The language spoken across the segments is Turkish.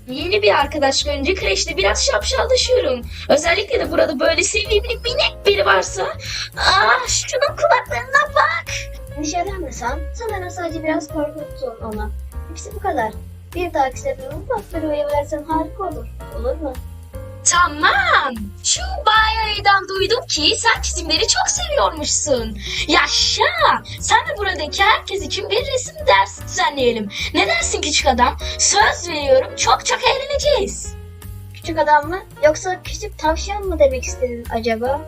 Yeni bir arkadaş görünce kreşte biraz şapşallaşıyorum. Özellikle de burada böyle sevimli minik biri varsa. Şunun kulaklarına bak. Endişelenme sen. Sanırım sadece biraz korkuttun ona. Hepsi bu kadar. Bir dahaki sefere bu lafları uyarırsan harika olur. Olur mu? Tamam. Şu Baya'dan duydum ki sen çizimleri çok seviyormuşsun. Yaşa. Sen de buradaki herkes için bir resim dersi düzenleyelim. Ne dersin küçük adam? Söz veriyorum çok çok eğleneceğiz. Küçük adam mı? Yoksa küçük tavşan mı demek istedin acaba?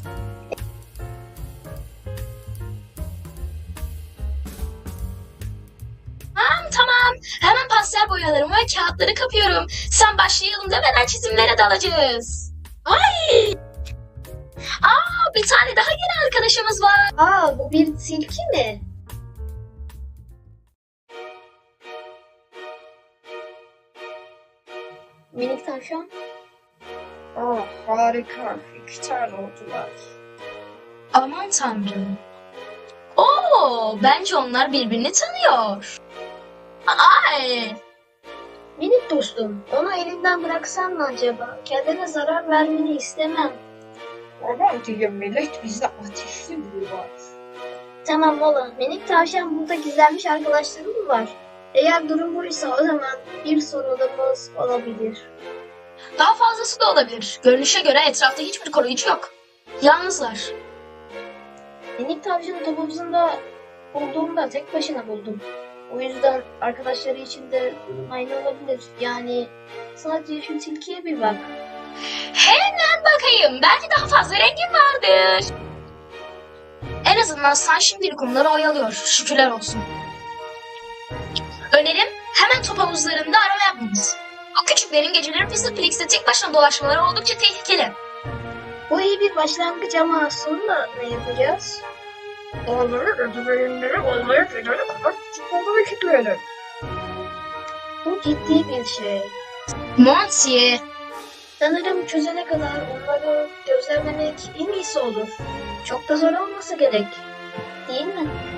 Tamam. Hemen pastel boyalarımı ve kağıtları kapıyorum. Sen başlayalım demeden çizimlere dalacağız. Ay! Bir tane daha yeni arkadaşımız var. Bu bir tilki mi? Minik tavşan. Harika. 2 tane oldular. Aman tanrım. Bence onlar birbirini tanıyor. Ay! Minik dostum, onu elinden bıraksan mı acaba? Kendine zarar vermeni istemem. Aman diyeyim millet, bizde ateşli biri var. Tamam Mola, minik tavşan burada gizlenmiş arkadaşları mı var? Eğer durum buysa o zaman bir sorunumuz olabilir. Daha fazlası da olabilir. Görünüşe göre etrafta hiçbir koruyucu yok. Yalnızlar. Minik tavşanı topumuzda bulduğumda tek başına buldum. O yüzden arkadaşları için de aynı olabilir. Yani sadece şu tilkiye bir bak. Hemen bakayım. Belki daha fazla rengin vardır. En azından sen şimdilik onları oyalıyor. Şükürler olsun. Önerim hemen top havuzlarında arama yapmamız. O küçüklerin geceleri Fizzleplix'te tek başına dolaşmaları oldukça tehlikeli. Bu iyi bir başlangıç ama sonra ne yapacağız? Onları ödübeyinleri olmaya gelene kadar tutmalı ekipleyelim. Bu ciddi bir şey. Monty, Sanırım çözene kadar onları gözlemlemek en iyisi olur. Çok da zor olmasa gerek. Değil mi?